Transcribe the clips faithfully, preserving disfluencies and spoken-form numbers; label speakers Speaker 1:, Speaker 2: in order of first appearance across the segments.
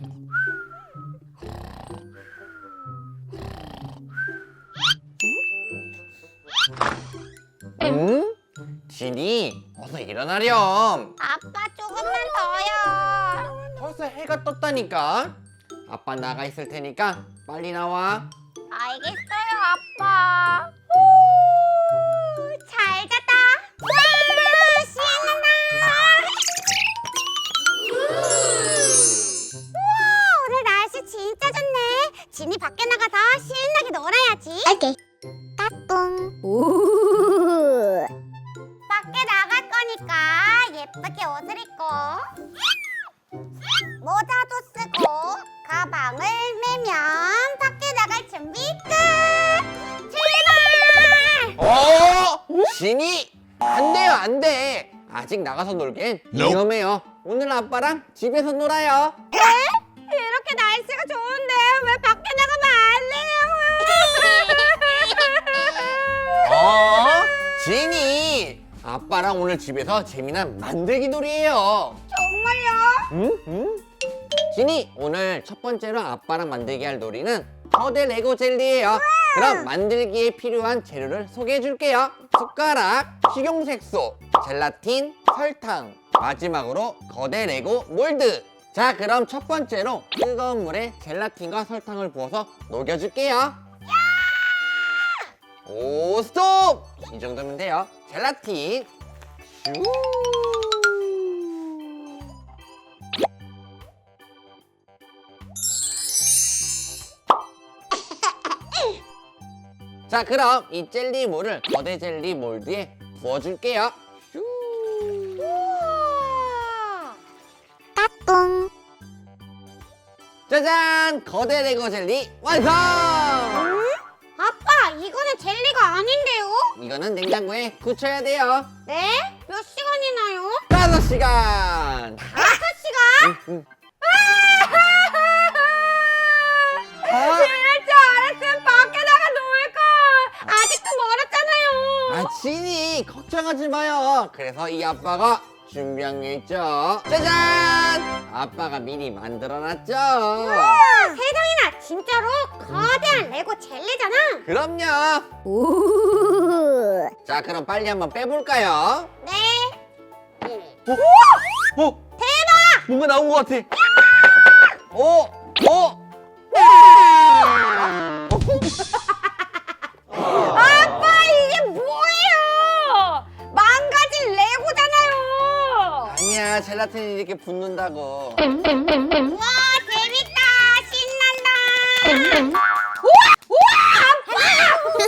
Speaker 1: 응? 진이 어서 일어나렴.
Speaker 2: 아빠 조금만 더요.
Speaker 1: 벌써 해가 떴다니까. 아빠 나가 있을 테니까 빨리 나와.
Speaker 2: 알겠어요, 아빠. 오, 잘 잤다. 와, 신난다. 우와, 오늘 날씨 진짜 좋네. 진이 밖에 나가서 신나게 놀아야지. 오케이. 따뚱. 오. 밖에 나갈 거니까 예쁘게 옷을 입고 모자도 쓰고 가방을 메면 밖에 나갈 준비 끝! 출발!
Speaker 1: 어? 진이 안 돼요, 안 돼. 아직 나가서 놀기엔 위험해요. 오늘 아빠랑 집에서 놀아요.
Speaker 2: 네? 이렇게 날씨가 좋은데 왜 밖에 나가면 안 돼요?
Speaker 1: 어? 진이 아빠랑 오늘 집에서 재미난 만들기 놀이에요.
Speaker 2: 정말요?
Speaker 1: 응? 응? 진이 오늘 첫 번째로 아빠랑 만들기 할 놀이는 거대 레고 젤리예요. 그럼 만들기에 필요한 재료를 소개해 줄게요. 숟가락, 식용색소, 젤라틴, 설탕, 마지막으로 거대 레고 몰드. 자, 그럼 첫 번째로 뜨거운 물에 젤라틴과 설탕을 부어서 녹여줄게요. 오, 스톱! 이 정도면 돼요. 젤라틴. 슈. 자, 그럼 이 젤리물을 거대 젤리 몰드에 부어줄게요. 슈.
Speaker 2: 우와. 따뚱.
Speaker 1: 짜잔! 거대 레고 젤리 완성!
Speaker 2: 아빠, 이거는 젤리가 아닌데요?
Speaker 1: 이거는 냉장고에 굳혀야 돼요.
Speaker 2: 네? 몇 시간이나요?
Speaker 1: 다섯 시간!
Speaker 2: 다섯 시간?
Speaker 1: 응, 응. 아,
Speaker 2: 이럴 줄 알았으면 밖에 나가 놀걸. 아직도 멀었잖아요.
Speaker 1: 아, 진이 걱정하지 마요. 그래서 이 아빠가 준비한 게 있죠. 짜잔! 아빠가 미리 만들어놨죠.
Speaker 2: 우와, 세상에나 진짜로 거대한 레고 젤리잖아.
Speaker 1: 그럼요.
Speaker 2: 오.
Speaker 1: 자, 그럼 빨리 한번 빼볼까요?
Speaker 2: 네.
Speaker 1: 어? 어?
Speaker 2: 대박!
Speaker 1: 뭔가 나온 것 같아. 어? 어?
Speaker 2: 아빠, 이게 뭐예요? 망가진 레고잖아요.
Speaker 1: 아니야, 젤라틴이 이렇게 붙는다고.
Speaker 2: 우와, 재밌다. 신난다. 우와! 우와!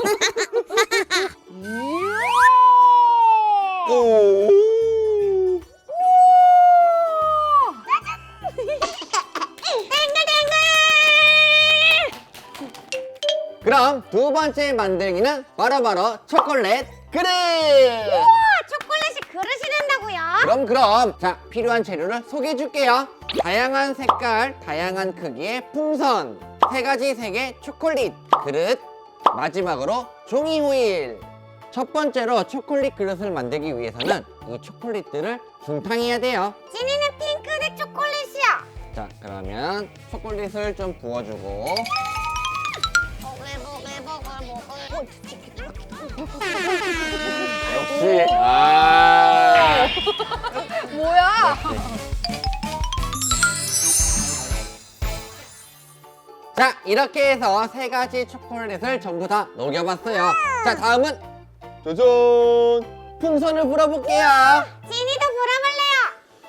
Speaker 2: 아빠!
Speaker 1: 오. 그럼 두 번째 만들기는 바로바로 초콜릿 그릇!
Speaker 2: 우와, 초콜릿이 그릇이 된다고요?
Speaker 1: 그럼 그럼 자, 필요한 재료를 소개해 줄게요. 다양한 색깔, 다양한 크기의 풍선, 세 가지 색의 초콜릿 그릇, 마지막으로 종이 호일. 첫 번째로 초콜릿 그릇을 만들기 위해서는 이 초콜릿들을 중탕해야 돼요.
Speaker 2: 진이는 핑크색 초콜릿이야.
Speaker 1: 자, 그러면 초콜릿을 좀 부어주고 역시 아
Speaker 2: 뭐야?
Speaker 1: 자, 이렇게 해서 세 가지 초콜릿을 전부 다 녹여봤어요. 자, 다음은 짜잔! 풍선을 불어볼게요.
Speaker 2: 진이도 불어볼래요.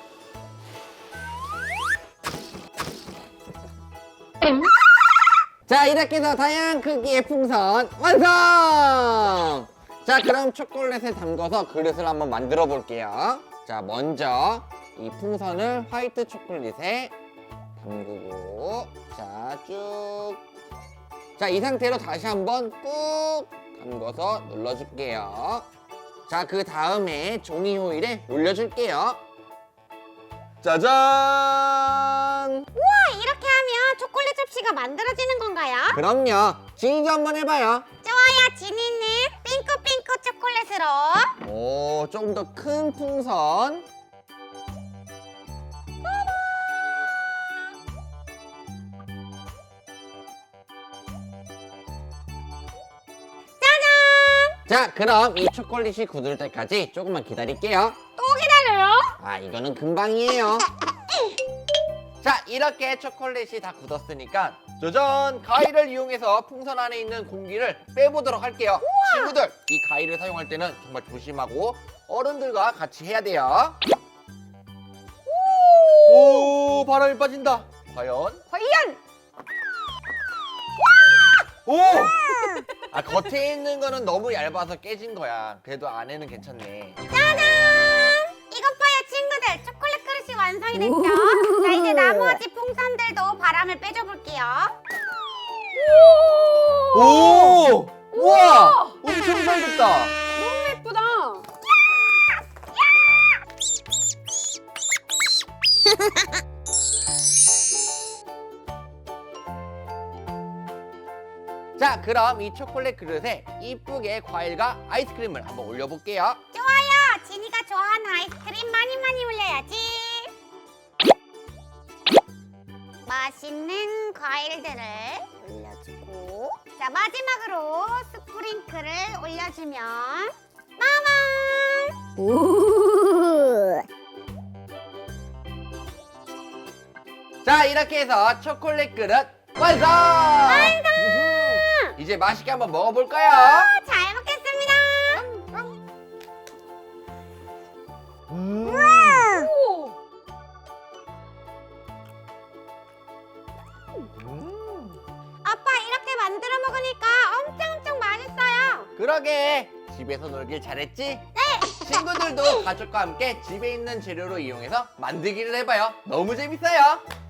Speaker 1: 자, 이렇게 해서 다양한 크기의 풍선 완성! 자, 그럼 초콜릿에 담궈서 그릇을 한번 만들어 볼게요. 자, 먼저 이 풍선을 화이트 초콜릿에 담그고 자, 쭉. 자, 이 상태로 다시 한번 꾹 담궈서 눌러줄게요. 자, 그 다음에 종이 호일에 올려줄게요. 짜잔!
Speaker 2: 우와, 이렇게 하면 초콜릿 접시가 만들어지는 건가요?
Speaker 1: 그럼요. 진이도 한번 해봐요.
Speaker 2: 좋아요, 진이는 핑크핑크 초콜릿으로.
Speaker 1: 오, 조금 더 큰 풍선. 자, 그럼 이 초콜릿이 굳을 때까지 조금만 기다릴게요.
Speaker 2: 또 기다려요?
Speaker 1: 아, 이거는 금방이에요. 자, 이렇게 초콜릿이 다 굳었으니까 짜잔! 가위를 이용해서 풍선 안에 있는 공기를 빼보도록 할게요. 친구들, 이 가위를 사용할 때는 정말 조심하고 어른들과 같이 해야 돼요. 오, 바람이 빠진다. 과연?
Speaker 2: 과연!
Speaker 1: 오! 아, 겉에 있는 거는 너무 얇아서 깨진 거야. 그래도 안에는 괜찮네.
Speaker 2: 짜잔! 이것 봐요, 친구들. 초콜릿 그릇이 완성이 됐죠? 자, 이제 나머지 풍선들도 바람을 빼줘볼게요.
Speaker 1: 오! 우와! 엄청 잘 됐다.
Speaker 2: 너무 예쁘다.
Speaker 1: 자, 그럼 이 초콜릿 그릇에 이쁘게 과일과 아이스크림을 한번 올려볼게요.
Speaker 2: 좋아요. 지니가 좋아하는 아이스크림 많이 많이 올려야지. 맛있는 과일들을 올려주고, 자, 마지막으로 스프링클을 올려주면 마마! 오!
Speaker 1: 자, 이렇게 해서 초콜릿 그릇 완성! 완성! 이제 맛있게 한번 먹어볼까요?
Speaker 2: 잘 먹겠습니다.
Speaker 1: 음. 음.
Speaker 2: 아빠, 이렇게 만들어 먹으니까 엄청 엄청 맛있어요.
Speaker 1: 그러게, 집에서 놀길 잘했지? 네! 친구들도 가족과 함께 집에 있는 재료로 이용해서 만들기를 해봐요. 너무 재밌어요.